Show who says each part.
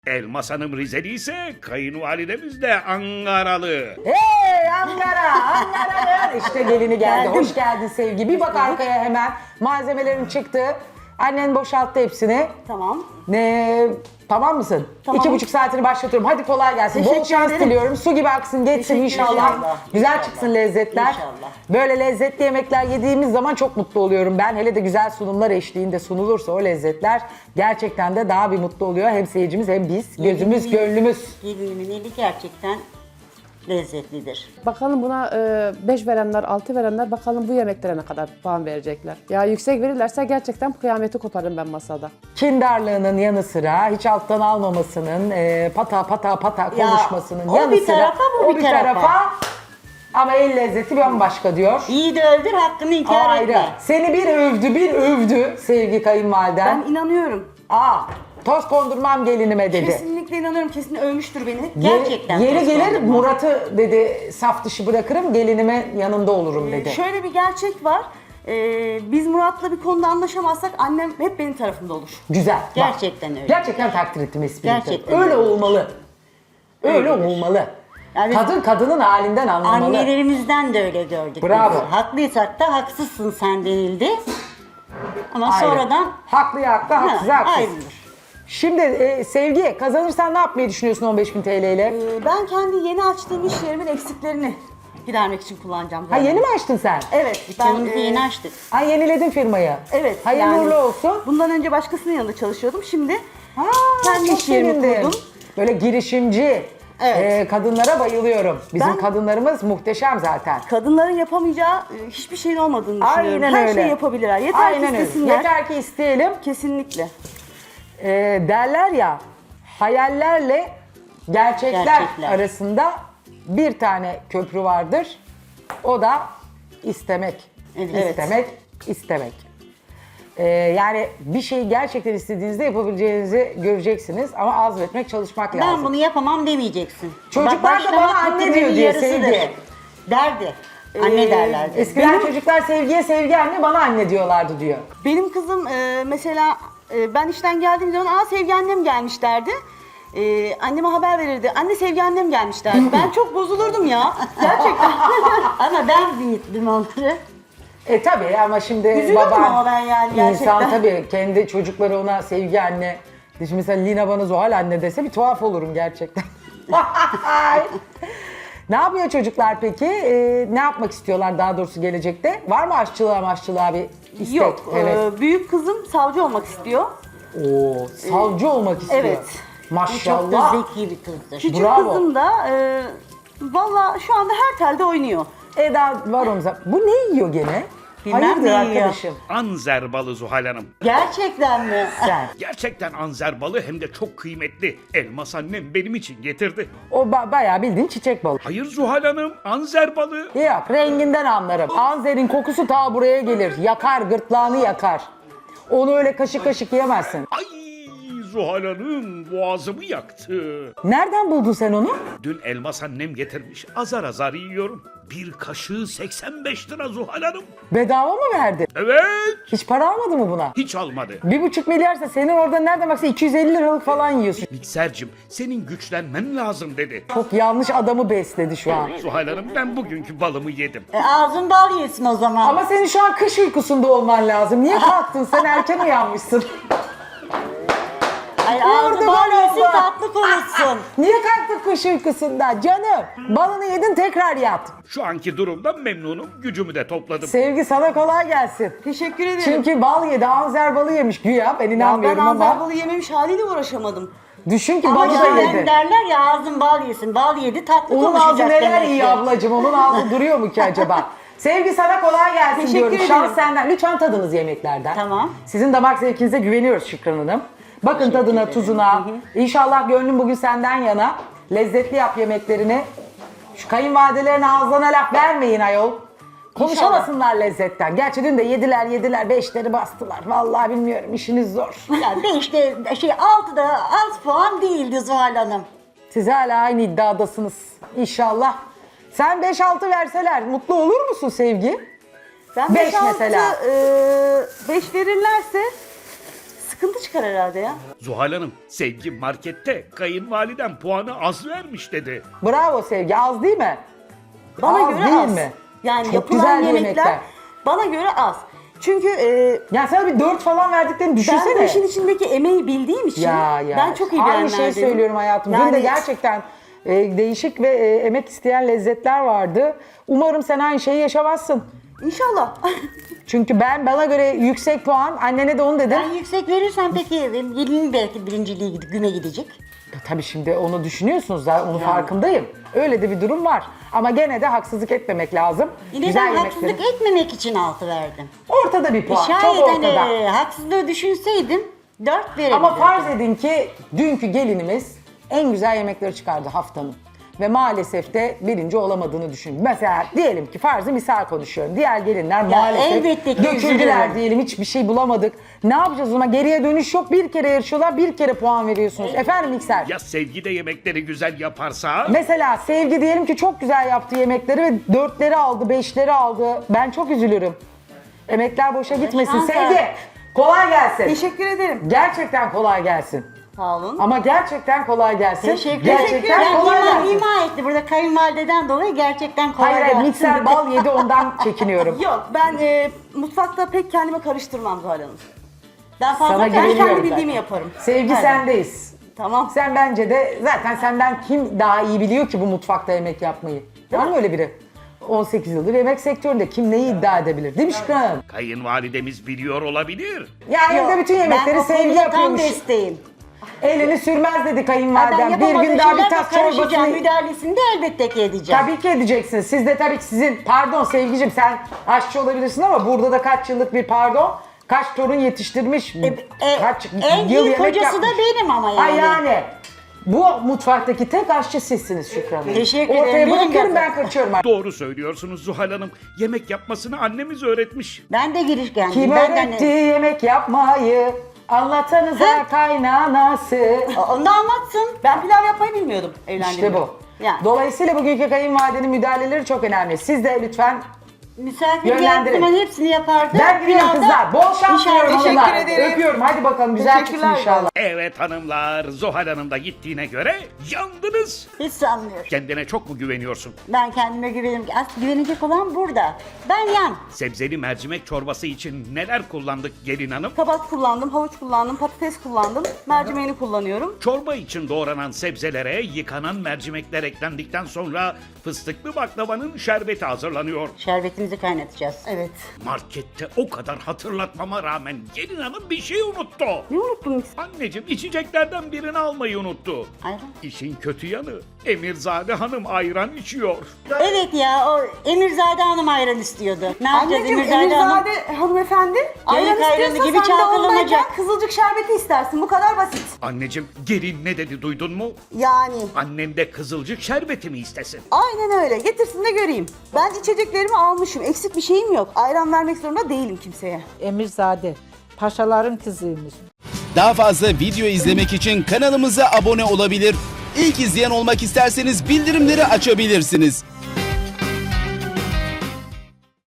Speaker 1: Elmas Hanım Rizeli ise kayınvalidemiz de Ankaralı.
Speaker 2: Hey Ankara, Ankara. İşte gelini geldi.
Speaker 3: Geldim.
Speaker 2: Hoş geldin Sevgi. Bir bak arkaya hemen. Malzemelerin çıktı. Annen boşalttı hepsini.
Speaker 3: Tamam.
Speaker 2: Tamam mısın?
Speaker 3: Tamam.
Speaker 2: 2,5 saatini başlatıyorum. Hadi kolay gelsin. Bol
Speaker 3: Teşekkür
Speaker 2: şans
Speaker 3: ederim.
Speaker 2: diliyorum. Su gibi aksın geçsin
Speaker 3: Teşekkür
Speaker 2: inşallah.
Speaker 3: ederim.
Speaker 2: Güzel
Speaker 3: İnşallah.
Speaker 2: çıksın lezzetler.
Speaker 3: İnşallah.
Speaker 2: Böyle lezzetli yemekler yediğimiz zaman çok mutlu oluyorum ben. Hele de güzel sunumlar eşliğinde sunulursa o lezzetler gerçekten de daha bir mutlu oluyor. Hem seyircimiz hem biz. Gözümüz, gönlümüz.
Speaker 3: Gelinimin eli gerçekten lezzetlidir.
Speaker 4: Bakalım buna 5 verenler, 6 verenler bakalım bu yemeklere ne kadar puan verecekler. Ya yüksek verirlerse gerçekten kıyameti koparım ben masada.
Speaker 2: Kindarlığının yanı sıra hiç alttan almamasının, pata pata
Speaker 3: Ya,
Speaker 2: konuşmasının
Speaker 3: o
Speaker 2: yanı
Speaker 3: bir
Speaker 2: sıra
Speaker 3: tarafa, bu bir tarafa.
Speaker 2: Ama el lezzeti bambaşka diyor.
Speaker 3: İyi de öldür hakkını
Speaker 2: O
Speaker 3: inkar
Speaker 2: ayrı.
Speaker 3: etme.
Speaker 2: Seni bir övdü sevgi kayınvaliden.
Speaker 3: Ben inanıyorum.
Speaker 2: Toz kondurmam gelinime dedi.
Speaker 3: Kesinlikle inanıyorum. Kesin övmüştür beni.
Speaker 2: Ye-
Speaker 3: Gerçekten.
Speaker 2: Yeri
Speaker 3: toz
Speaker 2: gelir
Speaker 3: kondurma.
Speaker 2: Murat'ı dedi saf dışı bırakırım gelinime yanında olurum dedi.
Speaker 3: Şöyle bir gerçek var. Biz Murat'la bir konuda anlaşamazsak annem hep benim tarafımda olur.
Speaker 2: Güzel. bak.
Speaker 3: Gerçekten öyle.
Speaker 2: Gerçekten takdir ettim espriyi.
Speaker 3: Gerçekten
Speaker 2: Öyle
Speaker 3: öyle.
Speaker 2: olmalı. Öyle
Speaker 3: Öyledir.
Speaker 2: olmalı.
Speaker 3: Yani
Speaker 2: Kadın kadının halinden anlamalı.
Speaker 3: annelerimizden de öyle gördük.
Speaker 2: Bravo.
Speaker 3: biz. Haklıysak da haksızsın sen denildi. Ama
Speaker 2: Ayrı.
Speaker 3: sonradan
Speaker 2: Haklıya haklı, haksıza haksız.
Speaker 3: ayrılır.
Speaker 2: Şimdi Sevgi kazanırsan ne yapmayı düşünüyorsun 15.000 TL ile?
Speaker 3: Ben kendi yeni açtığım iş yerimin eksiklerini gidermek için kullanacağım.
Speaker 2: Ha yeni mi açtın sen?
Speaker 3: Evet.
Speaker 4: Dükkanımızı yeni açtık.
Speaker 2: Ha yeniledin firmayı.
Speaker 3: Evet.
Speaker 2: Hayırlı
Speaker 3: yani
Speaker 2: uğurlu olsun.
Speaker 3: Bundan önce başkasının yanında çalışıyordum. Şimdi
Speaker 2: Ha,
Speaker 3: kendi
Speaker 2: çok
Speaker 3: iş yerimi
Speaker 2: sevindim.
Speaker 3: kurdum.
Speaker 2: Böyle girişimci
Speaker 3: Evet.
Speaker 2: kadınlara bayılıyorum. Bizim
Speaker 3: Ben-
Speaker 2: kadınlarımız muhteşem zaten.
Speaker 3: Kadınların yapamayacağı hiçbir şeyin olmadığını düşünüyorum.
Speaker 2: Aynen
Speaker 3: Her
Speaker 2: öyle.
Speaker 3: şeyi yapabilirler. Yeter
Speaker 2: Aynen
Speaker 3: ki
Speaker 2: öyle.
Speaker 3: istesinler.
Speaker 2: Yeter ki isteyelim.
Speaker 3: Kesinlikle.
Speaker 2: Derler ya hayallerle gerçekler
Speaker 3: Gerçekler.
Speaker 2: arasında bir tane köprü vardır. O da istemek.
Speaker 3: Evet.
Speaker 2: İstemek, istemek. Yani bir şeyi gerçekten istediğinizde yapabileceğinizi göreceksiniz ama azmetmek, çalışmak lazım.
Speaker 3: Ben bunu yapamam demeyeceksin.
Speaker 2: Çocuklar da
Speaker 3: Başlamak
Speaker 2: bana anne
Speaker 3: bitirmenin
Speaker 2: diyor diye
Speaker 3: yarısıdır.
Speaker 2: Sevgi.
Speaker 3: Derdi. Anne derlerdi.
Speaker 2: Eskiden çocuklar Sevgi'ye Sevgi anne, bana anne diyorlardı diyor.
Speaker 3: Benim kızım mesela ben işten geldiğim zaman Sevgi annem gelmiş derdi. Anneme haber verirdi. Anne Sevgi annem gelmiş derdi. Ben çok bozulurdum ya. Gerçekten. Ama ben büyüttüm onları.
Speaker 2: Tabii ama şimdi
Speaker 3: Üzülüyorum ama ben yani
Speaker 2: İnsan
Speaker 3: gerçekten.
Speaker 2: tabii kendi çocukları ona Sevgi anne. Şimdi mesela Lina bana Zuhal anne dese bir tuhaf olurum gerçekten. Ne yapıyor çocuklar peki? Ne yapmak istiyorlar daha doğrusu gelecekte? Var mı aşçılığa bir istek?
Speaker 3: Yok.
Speaker 2: Evet.
Speaker 3: Büyük kızım savcı olmak istiyor.
Speaker 2: Oo, savcı olmak istiyor.
Speaker 3: Evet.
Speaker 2: Maşallah.
Speaker 3: Çok da zeki bir kızdır. Küçük
Speaker 2: Bravo.
Speaker 3: kızım da valla şu anda her telde oynuyor.
Speaker 2: Eda var omza. Bu ne yiyor gene?
Speaker 3: Bilmem
Speaker 2: Hayırdır
Speaker 3: ne yiyor.
Speaker 2: arkadaşım?
Speaker 1: Anzer balı Zuhal Hanım.
Speaker 3: Gerçekten mi?
Speaker 2: Sen.
Speaker 1: Gerçekten anzer balı hem de çok kıymetli. Elmas annem benim için getirdi.
Speaker 2: O bayağı bildiğin çiçek balığı.
Speaker 1: Hayır Zuhal Hanım, anzer balı.
Speaker 2: Yok, renginden anlarım. Anzerin kokusu ta buraya gelir. Yakar, gırtlağını yakar. Onu öyle kaşık kaşık yemezsin.
Speaker 1: Ay Zuhal Hanım boğazımı yaktı.
Speaker 2: Nereden buldun sen onu?
Speaker 1: Dün Elmas annem getirmiş. Azar azar yiyorum. Bir kaşığı 85 lira Zuhal Hanım.
Speaker 2: Bedava mı verdi?
Speaker 1: Evet.
Speaker 2: Hiç para almadı mı buna?
Speaker 1: Hiç almadı.
Speaker 2: 1,5 milyarsa senin orada nereden baksa 250 liralık falan yiyorsun.
Speaker 1: Miksercim senin güçlenmen lazım dedi.
Speaker 2: Çok yanlış adamı besledi şu an.
Speaker 1: Zuhal Hanım ben bugünkü balımı yedim.
Speaker 3: Ağzın bal yesin o zaman.
Speaker 2: Ama senin şu an kış uykusunda olman lazım. Niye kalktın? Sen erken uyanmışsın.
Speaker 3: Ay,
Speaker 2: Orada
Speaker 3: ağzın bal
Speaker 2: bal
Speaker 3: yesin
Speaker 2: oldu.
Speaker 3: tatlı konuşsun.
Speaker 2: Niye kalktın kış uykusunda? Canım, balını yedin tekrar yat.
Speaker 1: Şu anki durumdan memnunum. Gücümü de topladım.
Speaker 2: Sevgi sana kolay gelsin.
Speaker 3: Teşekkür ederim.
Speaker 2: Çünkü bal yedi, anzer balı yemiş güya. Ben
Speaker 3: ya ben
Speaker 2: inanmıyorum
Speaker 3: anzer
Speaker 2: ama.
Speaker 3: balı yememiş haliyle uğraşamadım.
Speaker 2: Düşün ki
Speaker 3: Ama
Speaker 2: balı da
Speaker 3: yani
Speaker 2: yedi.
Speaker 3: derler ya ağzın bal yesin. Bal yedi tatlı
Speaker 2: Onun ağzı
Speaker 3: konuşacak
Speaker 2: neler
Speaker 3: demek
Speaker 2: iyi
Speaker 3: ki.
Speaker 2: ablacığım, onun ağzı duruyor mu ki acaba? Sevgi sana kolay gelsin
Speaker 3: Teşekkür
Speaker 2: diyorum.
Speaker 3: ederim.
Speaker 2: Şans senden. Lütfen tadınız yemeklerden.
Speaker 3: Tamam.
Speaker 2: Sizin damak zevkinize güveniyoruz Şükran Hanım. Bakın tadına, tuzuna. İnşallah gönlüm bugün senden yana. Lezzetli yap yemeklerini. Şu kayınvalidelerine ağızlarına laf vermeyin ayol. Konuşamasınlar lezzetten. Gerçi dün de yediler, beşleri bastılar. Vallahi bilmiyorum, işiniz zor.
Speaker 3: Ya 5'te 6'da az puan değildi Zuhal Hanım.
Speaker 2: Siz hala aynı iddiadasınız. İnşallah. Sen 5-6 verseler mutlu olur musun Sevgi?
Speaker 3: Ben
Speaker 2: Beş
Speaker 3: 5
Speaker 2: mesela.
Speaker 3: 5 verirlerse sıkıntı çıkar herhalde ya.
Speaker 1: Zuhal Hanım, Sevgi markette kayınvaliden puanı az vermiş dedi.
Speaker 2: Bravo Sevgi, az değil mi?
Speaker 3: Bana
Speaker 2: Az
Speaker 3: göre
Speaker 2: değil
Speaker 3: az.
Speaker 2: mi?
Speaker 3: Yani
Speaker 2: Çok
Speaker 3: yapılan
Speaker 2: güzel
Speaker 3: yemekler,
Speaker 2: yemekler.
Speaker 3: bana göre az. Çünkü
Speaker 2: Yani sana bir 4 falan verdiklerini düşünsene.
Speaker 3: ben bu işin içindeki emeği bildiğim için ben çok iyi
Speaker 2: Aynı
Speaker 3: bilenlerdenim.
Speaker 2: şeyi söylüyorum hayatım. Dün de
Speaker 3: Yani
Speaker 2: gerçekten değişik ve emek isteyen lezzetler vardı. Umarım sen aynı şeyi yaşamazsın.
Speaker 3: İnşallah.
Speaker 2: Çünkü bana göre yüksek puan, annene de onu dedim.
Speaker 5: Ben yüksek verirsem peki gelinin belki birinciliği güme gidecek.
Speaker 2: Tabii şimdi onu düşünüyorsunuz da onun farkındayım. Öyle de bir durum var. Ama gene de haksızlık etmemek lazım.
Speaker 5: Yine
Speaker 2: Güzel
Speaker 5: ben
Speaker 2: yemeklerin-
Speaker 5: haksızlık etmemek için 6 verdim.
Speaker 2: Ortada bir puan, çok
Speaker 5: Şayet
Speaker 2: ortada.
Speaker 5: hani haksızlığı düşünseydim 4 verebilirdim.
Speaker 2: Ama farz edin ki dünkü gelinimiz en güzel yemekleri çıkardı haftanın. Ve maalesef de birinci olamadığını düşün. Mesela diyelim ki farzı misal konuşuyorum. Diğer gelinler maalesef
Speaker 5: elbette ki
Speaker 2: döküldüler
Speaker 5: üzülürüm.
Speaker 2: diyelim, hiçbir şey bulamadık. Ne yapacağız o zaman? Geriye dönüş yok. Bir kere yarışıyorlar, bir kere puan veriyorsunuz. Efendim İkser?
Speaker 1: Ya Sevgi de yemekleri güzel yaparsa?
Speaker 2: Mesela Sevgi diyelim ki çok güzel yaptı yemekleri ve 4'leri aldı, 5'leri aldı. Ben çok üzülürüm. Emekler boşa gitmesin.
Speaker 5: Şansa.
Speaker 2: Sevgi, kolay gelsin.
Speaker 3: Teşekkür ederim.
Speaker 2: Gerçekten kolay gelsin.
Speaker 3: Sağ olun.
Speaker 2: Ama gerçekten kolay gelsin.
Speaker 5: Teşekkür
Speaker 2: Gerçekten
Speaker 5: ederim.
Speaker 2: kolay
Speaker 5: Yani
Speaker 2: gelsin.
Speaker 5: ima etti burada kayınvalideden dolayı gerçekten kolay
Speaker 2: Hayır, hayır,
Speaker 5: gelsin.
Speaker 2: mikser bal yedi ondan çekiniyorum.
Speaker 3: Yok ben mutfakta pek kendime karıştırmam Zuhal Hanım. Ben
Speaker 2: Sana
Speaker 3: fazla ben
Speaker 2: güveniyorum
Speaker 3: kendi
Speaker 2: zaten.
Speaker 3: bildiğimi yaparım.
Speaker 2: Sevgi
Speaker 3: Aynen.
Speaker 2: sendeyiz.
Speaker 3: Tamam.
Speaker 2: Sen bence de zaten senden kim daha iyi biliyor ki bu mutfakta yemek yapmayı? Var mı öyle biri? 18 yıldır yemek sektöründe kim neyi iddia edebilir? Değil mi Şükran Hanım?
Speaker 1: Kayınvalidemiz biliyor olabilir.
Speaker 2: Yani
Speaker 5: Yok,
Speaker 2: evde bütün
Speaker 5: ben
Speaker 2: yemekleri
Speaker 5: o
Speaker 2: Sevgi
Speaker 5: konuda tam
Speaker 2: yapıyormuş.
Speaker 5: desteğim.
Speaker 2: Elini sürmez dedi
Speaker 5: Ben
Speaker 2: kayınvalidem. Bir
Speaker 5: yapamadığım
Speaker 2: gün daha bir
Speaker 5: şeylerde
Speaker 2: tas
Speaker 5: karışacağım.
Speaker 2: çorbasını...
Speaker 5: Müdahalesini de elbette ki edeceğim.
Speaker 2: Tabii ki edeceksiniz. Siz de tabii ki pardon Sevgicim, sen aşçı olabilirsin ama burada da kaç yıllık bir pardon, kaç torun yetiştirmiş, kaç
Speaker 5: en
Speaker 2: yıl
Speaker 5: iyi
Speaker 2: yemek
Speaker 5: kocası
Speaker 2: yapmış.
Speaker 5: da benim ama yani.
Speaker 2: Ay yani. Bu mutfaktaki tek aşçı sizsiniz Şükran Hanım.
Speaker 5: Teşekkür
Speaker 2: Ortaya
Speaker 5: ederim.
Speaker 2: bırakıyorum,
Speaker 5: Benim
Speaker 2: ben kaçıyorum.
Speaker 1: Doğru söylüyorsunuz Zuhal Hanım. Yemek yapmasını annemiz öğretmiş.
Speaker 5: Ben de girişkendim.
Speaker 2: Kim
Speaker 5: ben
Speaker 2: öğretti yemek yapmayı? Anlatanıza kaynanası.
Speaker 5: Onu da anlatsın.
Speaker 3: Ben pilav yapmayı bilmiyordum evlendiğimde.
Speaker 2: İşte bu.
Speaker 3: Yani.
Speaker 2: Dolayısıyla bugünkü kayınvalidenin müdahaleleri çok önemli. Siz de lütfen
Speaker 5: Misafir
Speaker 2: Yönlendirin.
Speaker 5: geldiği zaman hepsini yapardı.
Speaker 2: ben gidiyorum
Speaker 5: Pilavda
Speaker 2: kızlar. Bol şans
Speaker 5: inşallah-
Speaker 2: diliyorum
Speaker 3: Teşekkür
Speaker 2: hanımlar.
Speaker 3: ederim.
Speaker 2: Öpüyorum. Hadi bakalım güzel çıksın
Speaker 3: Teşekkürler.
Speaker 2: inşallah.
Speaker 1: Evet hanımlar, Zuhal Hanım da gittiğine göre yandınız.
Speaker 5: Hiç sanmıyorum.
Speaker 1: Kendine çok mu güveniyorsun?
Speaker 5: Ben kendime güvenirim. Aslında güvenecek olan burada. Ben yan.
Speaker 1: Sebzeli mercimek çorbası için neler kullandık gelin hanım?
Speaker 3: Kabak kullandım, havuç kullandım, patates kullandım, mercimeğini kullanıyorum.
Speaker 1: Çorba için doğranan sebzelere yıkanan mercimekler eklendikten sonra fıstıklı baklavanın şerbeti hazırlanıyor.
Speaker 5: Şerbetimizi kaynatacağız.
Speaker 3: Evet.
Speaker 1: Markette o kadar hatırlatmama rağmen gelin hanım bir şey unuttu.
Speaker 3: Ne unuttum?
Speaker 1: Anneciğim içeceklerden birini almayı unuttu.
Speaker 5: Ayran.
Speaker 1: İşin kötü yanı Emirzade Hanım ayran içiyor.
Speaker 5: Evet ya o Emirzade Hanım ayran istiyordu. Ne yapacağız
Speaker 3: Anneciğim,
Speaker 5: Emirzade Hanım?
Speaker 3: Emirzade hanımefendi ayran
Speaker 5: ayranı
Speaker 3: istiyorsa
Speaker 5: gibi
Speaker 3: sen de
Speaker 5: çalkalanacak.
Speaker 3: ondayken kızılcık şerbeti istersin. Bu kadar basit.
Speaker 1: Anneciğim gelin ne dedi duydun mu?
Speaker 3: Yani.
Speaker 1: Annen de kızılcık şerbeti mi istesin?
Speaker 3: Aynen öyle. Getirsin de göreyim. Ben içeceklerimi almışım. Eksik bir şeyim yok. Ayran vermek zorunda değilim kimseye.
Speaker 6: Emirzade, paşaların kızıymış.
Speaker 7: Daha fazla video izlemek için kanalımıza abone olabilir. İlk izleyen olmak isterseniz bildirimleri açabilirsiniz.